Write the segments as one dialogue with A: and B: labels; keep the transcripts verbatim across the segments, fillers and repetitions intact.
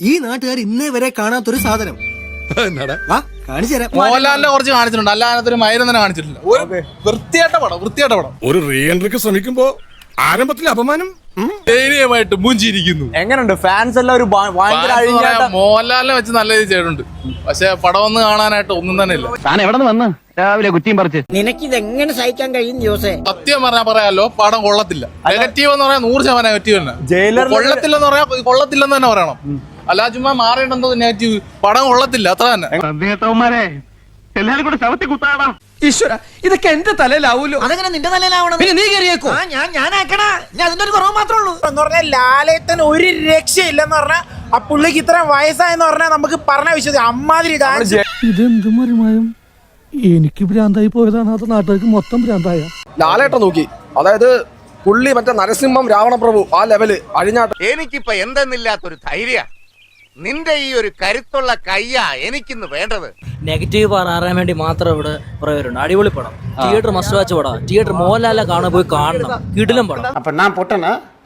A: ഈ നാട്ടുകാർ ഇന്നേ വരെ കാണാത്തൊരു സാധനം കാണിച്ചു തരാം.
B: മോഹൻലാലിനെ കുറച്ച് കാണിച്ചിട്ടുണ്ട്, അല്ലാതെ ഒരു മൈരം തന്നെ കാണിച്ചിട്ടില്ല. ഒരു വൃത്തിയായിട്ട പടം, വൃത്തിയായിട്ട പടം.
C: ഒരു റീ എൻട്രിക്ക് ശ്രമിക്കുമ്പോ ആരംഭത്തിൽ അപമാനം
B: ദയനീയമായിട്ട് മുഞ്ചിരിക്കുന്നു.
D: എങ്ങനെയുണ്ട് ഫാൻസ് എല്ലാം ഒരു
B: മോഹൻലാലിനെ വെച്ച് നല്ല രീതി ചെയ്തിട്ടുണ്ട്, പക്ഷെ പടം ഒന്ന് കാണാനായിട്ട് ഒന്നും തന്നെ ഇല്ല.
E: താൻ എവിടെ നിന്ന് വന്ന് രാവിലെ കുറ്റിയും പറിച്ച്
F: നിനക്കിത് എങ്ങനെ സഹിക്കാൻ കഴിയും ജോസേ?
B: സത്യം പറഞ്ഞാൽ പറയാലോ, പടം കൊള്ളത്തില്ല. നെഗറ്റീവ് എന്ന് പറയാൻ നൂറ് ശതമാനം നെഗറ്റീവ് തന്നെ. കൊള്ളത്തില്ലെന്ന് പറയാ കൊള്ളത്തില്ലെന്ന് തന്നെ പറയണം, അല്ലാ ചുമ്മാ മാറേണ്ടെന്തോ നെഗറ്റീവ്. പടം കൊള്ളത്തില്ല, അത്ര തന്നെ.
E: എല്ലാരും കൂടെ ശവത്തി കുത്താടാ.
A: ഈശ്വര, ഇതൊക്കെ എന്റെ തലയിലാവൂലോ.
F: അതെങ്ങനെ നിന്റെ തലയിലാവണം?
A: പിന്നെ നീ കയറിയേക്കോ.
F: ഞാൻ ഞാനാക്കണ ഞാൻ അതിന്റെ ഒരു കുറവ് മാത്രമേ ഉള്ളൂ.
G: എന്ന് പറഞ്ഞാൽ ലാലേട്ടന് ഒരു രക്ഷയില്ലെന്ന് പറഞ്ഞാൽ ആ പുള്ളിക്ക് ഇത്രയും വയസ്സായെന്ന് പറഞ്ഞാൽ നമുക്ക് പറഞ്ഞ വിശ്വസിക്കാം. അമ്മാതിരി ഡാൻസ്.
H: ഇതെന്തും മറിമായും എനിക്ക് ഭ്രാന്തായി പോയതാണ്, അത് നാട്ടുകാർക്ക് മൊത്തം ഭ്രാന്തായ.
I: ലാലേട്ടൻ നോക്കി, അതായത് പുള്ളി മറ്റേ നരസിംഹം രാവണപ്രഭു ആ ലെവല് അഴിഞ്ഞാട്ടം.
J: എനിക്കിപ്പോ എന്തെന്നില്ലാത്തൊരു ധൈര്യ, നിന്റെ ഈ ഒരു കരുത്തുള്ള കയ്യാ എനിക്കിന്ന് വേണ്ടത്.
K: നെഗറ്റീവ് പറയാൻ വേണ്ടി മാത്രം ഇവിടെ പറയുന്നുണ്ട്. അടിപൊളി പടം, തിയേറ്റർ മസ്റ്റ് വാച്ച് പടം. തിയേറ്റർ മോഹൻലാലെ കാണാൻ പോയി കാണണം, കിടിലം പടം.
E: അപ്പൊ ഞാൻ പൊട്ടന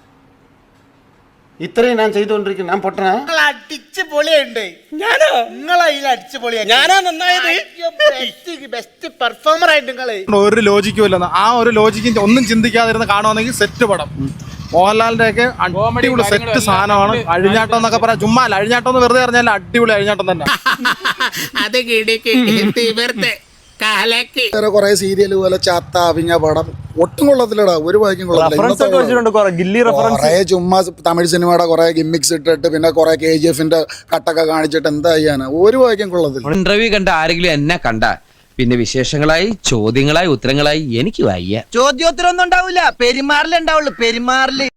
E: ഇത്രയും ഞാൻ ചെയ്തുകൊണ്ടിരിക്കുന്നു, ഞാൻ പൊട്ടന.
G: അടിച്ച് പൊളിയുണ്ട്. ഞാനോ നിങ്ങളെ അടിച്ച് പൊളിയാ. ഞാനാ നന്നായത്. ബെസ്റ്റ് പെർഫോമർ ആയിട്ട് നിങ്ങള്.
B: ഒരു ലോജിക്കും ഇല്ലെന്ന്, ആ ഒരു ലോജിക്കും ഒന്നും ചിന്തിക്കാതിരുന്ന് കാണുവാണെങ്കിൽ സെറ്റ് പടം. മോഹൻലാലിന്റെ ഒക്കെ അടിപൊളി സെറ്റ് സാധനമാണ്. അഴിഞ്ഞാട്ടം എന്നൊക്കെ പറയാം, ചുമ്മാ അഴിഞ്ഞാട്ടം എന്ന് വെറുതെ പറഞ്ഞാൽ അടിപൊളി അഴിഞ്ഞാട്ടം തന്നെ.
C: കൊറേ സീരിയൽ പോലെ ചാത്ത അവിഞ്ഞ പടം ഒട്ടും കൊള്ളത്തില്ലടാ, ഒരു വായിക്കും കൊള്ളത്തില്ല. ചുമ്മാ തമിഴ് സിനിമയുടെ കുറെ ഗിമ്മിക്സ് ഇട്ടിട്ട് പിന്നെ കുറെ കെ ജി എഫിന്റെ കട്ടൊക്കെ കാണിച്ചിട്ട് എന്താ ചെയ്യാനാ, ഒരു വായിക്കും കൊള്ളത്തില്ല.
L: ഇന്റർവ്യൂ കണ്ട ആരെങ്കിലും എന്നെ കണ്ട പിന്നെ വിശേഷങ്ങളായി ചോദ്യങ്ങളായി ഉത്തരങ്ങളായി എനിക്ക് വയ്യ.
F: ചോദ്യോത്തരം ഒന്നും ഉണ്ടാവില്ല, പെരുമാറിലുണ്ടാവുള്ളൂ, പെരുമാറില്.